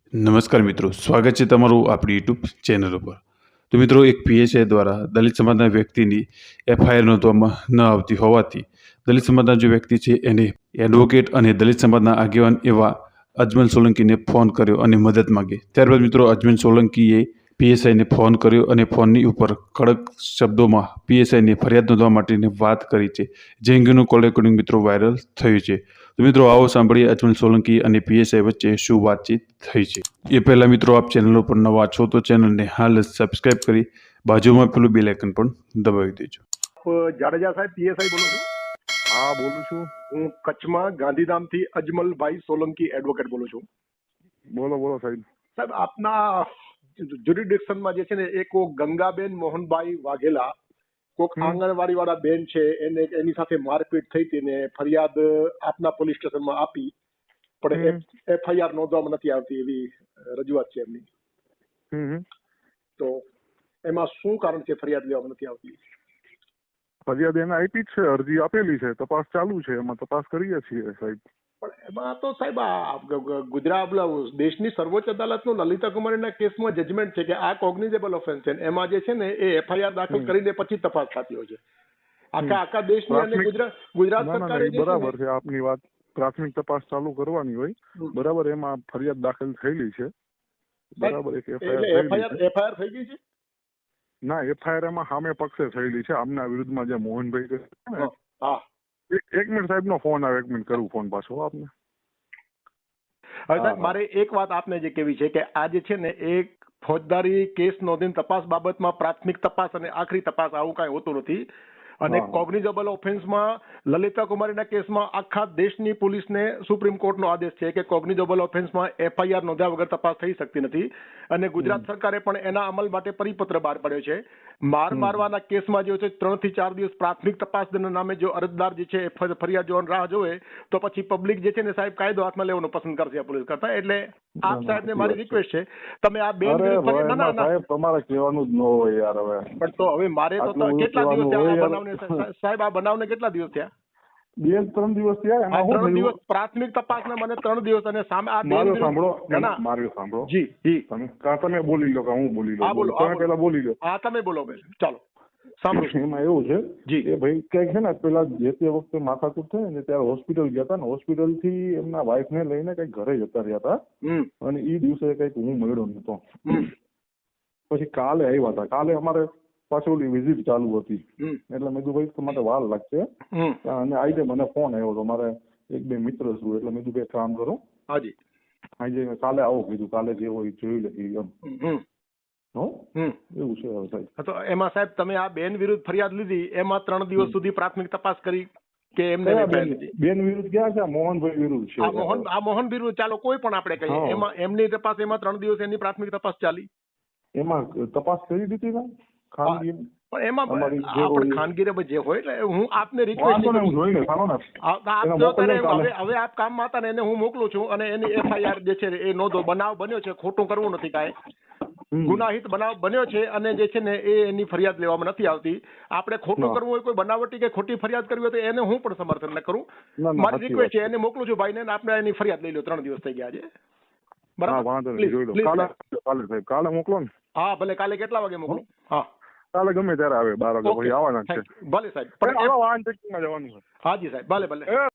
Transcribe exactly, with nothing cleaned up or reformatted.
નમસ્કાર મિત્રો, સ્વાગત છે તમારું આપણી યુટ્યુબ ચેનલ ઉપર. તો મિત્રો, એક પીએસઆઈ દ્વારા દલિત સમાજના વ્યક્તિની એફઆઈઆર નોંધવામાં ન આવતી હોવાથી દલિત સમાજના જે વ્યક્તિ છે એને એડવોકેટ અને દલિત સમાજના આગેવાન એવા અજમલ સોલંકીને ફોન કર્યો અને મદદ માંગી. ત્યારબાદ મિત્રો અજમલ સોલંકીએ પીએસઆઈને ફોન કર્યો અને ફોનની ઉપર કડક શબ્દોમાં પીએસઆઈને ફરિયાદ નોંધવા માટેની વાત કરી છે, જે અંગેનું કોલ રેકોર્ડિંગ મિત્રો વાયરલ થયું છે. તો મિત્રો આવો સાંભળીએ અજમલ સોલંકી અને પીએસઆઈ વચ્ચે શું વાતચીત થઈ છે. એ પહેલા મિત્રો આપ ચેનલ ઉપર નવા છો તો ચેનલને હાલ સબસ્ક્રાઇબ કરી બાજુમાં પેલું બેલ આઇકન પણ દબાવી દેજો. જાડેજા સાહેબ પીએસઆઈ બોલું છું. હા બોલું છું. હું કચ્છમાં ગાંધીધામથી અજમલભાઈ સોલંકી એડવોકેટ બોલું છું. બોલો બોલો સાહેબ. સાહેબ આપના જ્યુરિડિક્શનમાં જે છે ને એક ગંગાબેન મોહનભાઈ વાઘેલા કોક આંગણવાડી વાળા બેન છે એને એની સાથે મારપીટ થઈ હતી ને ફરિયાદ આપના પોલીસ સ્ટેશનમાં આપી, પણ એફઆઈઆર નોંધવામાં નથી આવતી એવી રજૂઆત છે એમની. તો એમાં શું કારણ છે ફરિયાદ લેવામાં નથી આવતી? ફરિયાદ એને આપી જ છે, અરજી આપેલી છે, તપાસ ચાલુ છે, એમાં તપાસ કરીએ છીએ સાહેબ. પણ એમાં તો સાહેબ આ ગુજરાત દેશની સર્વોચ્ચ અદાલતનું લલિતા કુમારીના કેસમાં જજમેન્ટ છે કે આ કોગ્નિઝેબલ ઓફેન્સ છે. એમાં જે છે ને એ એફઆઈઆર દાખલ કરીને પછી તપાસ થતી હોય છે આખા આખા દેશની. અને ગુજરાત ગુજરાત સરકારે બરાબર છે આપની વાત, પ્રાથમિક તપાસ ચાલુ કરવાની હોય, બરાબર. એમાં ફરિયાદ દાખલ થયેલી છે, બરાબર. એક એફઆઈઆર એફઆઈઆર થઈ ગઈ છે? ના, એફઆઈઆર એમાં સામે પક્ષે થયેલી છે, આમના વિરુદ્ધમાં જે મોહનભાઈ છે ને. હા, એક મિનિટ સાહેબ નો ફોન આવે, એક મિનિટ કરું ફોન પાછો આપને. હવે સાહેબ મારે એક વાત આપને જે કેવી છે કે આ જે છે ને એક ફોજદારી કેસ નોંધીને તપાસ બાબતમાં પ્રાથમિક તપાસ અને આખરી તપાસ આવું કાંઈ હોતું નથી. અને કોગ્નિઝેબલ ઓફેન્સમાં લલિતા કુમારીના કેસમાં આખા દેશની પોલીસને સુપ્રીમ કોર્ટનો આદેશ છે કે કોગ્નિઝેબલ ઓફેન્સમાં એફઆઈઆર નોંધ્યા વગર તપાસ થઈ શકતી નથી. અને ગુજરાત સરકારે પણ એના અમલ માટે પરિપત્ર બહાર પાડ્યો છે. માર મારવાના કેસમાં જે છે ત્રણ થી ચાર દિવસ પ્રાથમિક તપાસના નામે જો અરજદાર જે છે ફરિયાદ જોવાની રાહ જોવે તો પછી પબ્લિક જે છે ને સાહેબ કાયદો હાથમાં લેવાનું પસંદ કરશે પોલીસ કરતા. એટલે આપ સાહેબને મારી રિક્વેસ્ટ છે, તમે આ બેન તમારે કહેવાનું જ ન હોય યાર. હવે પણ તો હવે મારે તો કેટલા દિવસ બનાવને સાહેબ આ બનાવને કેટલા દિવસ થયા? બે ત્રણ દિવસ થયા. ત્રણ દિવસ પ્રાથમિક તપાસના મને ત્રણ દિવસ અને સામે આ મારું સાંભળો મારું સાંભળો જી જી તમે તમે બોલી લો કે હું બોલી લઉં? તમે પેલા બોલી લો. હા તમે બોલો બેન, ચાલો સાંભળો. એમાં એવું છે કે ભાઈ કઈક છે ને પેલા જે તે વખતે માથાકૂટ થઈ ને ત્યારે હોસ્પિટલ ગયા હતા ને, હોસ્પિટલ થી એમના વાઈફ ને લઈને કઈક ઘરે જતા રહ્યા હતા અને ઈ દિવસે કઈક હું મળ્યો નતો. પછી કાલે આવ્યા હતા, કાલે અમારે પાછી ઓલી વિઝિટ ચાલુ હતી એટલે મેં કીધું ભાઈ તમારે વાર લાગશે. અને આજે મને ફોન આવ્યો હતો, મારે એક બે મિત્ર છું એટલે મેં કીધું બે કામ કરો હાજી આજે કાલે આવો કીધું, કાલે જે હોય જોઈ લઈએ એમ. એવું છે સાહેબ. તો એમાં સાહેબ તમે આ બેન વિરુદ્ધ ફરિયાદ લીધી, એમાં ત્રણ દિવસ સુધી પ્રાથમિક તપાસ કરી કે એમને બેન વિરુદ્ધ ક્યાં છે? મોહનભાઈ વિરુદ્ધ છે. આ મોહન આ મોહન વિરુદ્ધ ચાલો કોઈ પણ આપણે કહીએ, એમાં એમની તપાસ એમાં ત્રણ દિવસ એની પ્રાથમિક તપાસ ચાલી, એમાં તપાસ કરી દીધી ને ખાનગી. પણ એમાં આપણે ખાનગી જે હોય એટલે હું આપને રિક્વેસ્ટ હવે હવે આપ કામમાં હતા ને એને હું મોકલું છું અને એની એફઆઈઆર જે છે એ નોંધો. બનાવ બન્યો છે, ખોટું કરવું નથી કાંઈ, ગુનાહિત બનાવ બન્યો છે અને જે છે ને એ એની ફરિયાદ લેવામાં નથી આવતી. આપણે ખોટું કરવું હોય, કોઈ બનાવટી કે ખોટી ફરિયાદ કરવી હોય તો એને હું પણ સમર્થન ન કરું. મારી રિક્વેસ્ટ છે એને મોકલું છું ભાઈને, આપણે એની ફરિયાદ લઈ લો. ત્રણ દિવસ થઈ ગયા છે, બરાબર? કાલે મોકલો ને. હા ભલે, કાલે કેટલા વાગે મોકલું? હા કાલે ગમે ત્યારે આવે, બાર વાગે પછી આવવાના છે. ભલે સાહેબ, પણ વાહન ચેકિંગમાં જવાનું છે. હાજી સાહેબ, ભલે ભલે.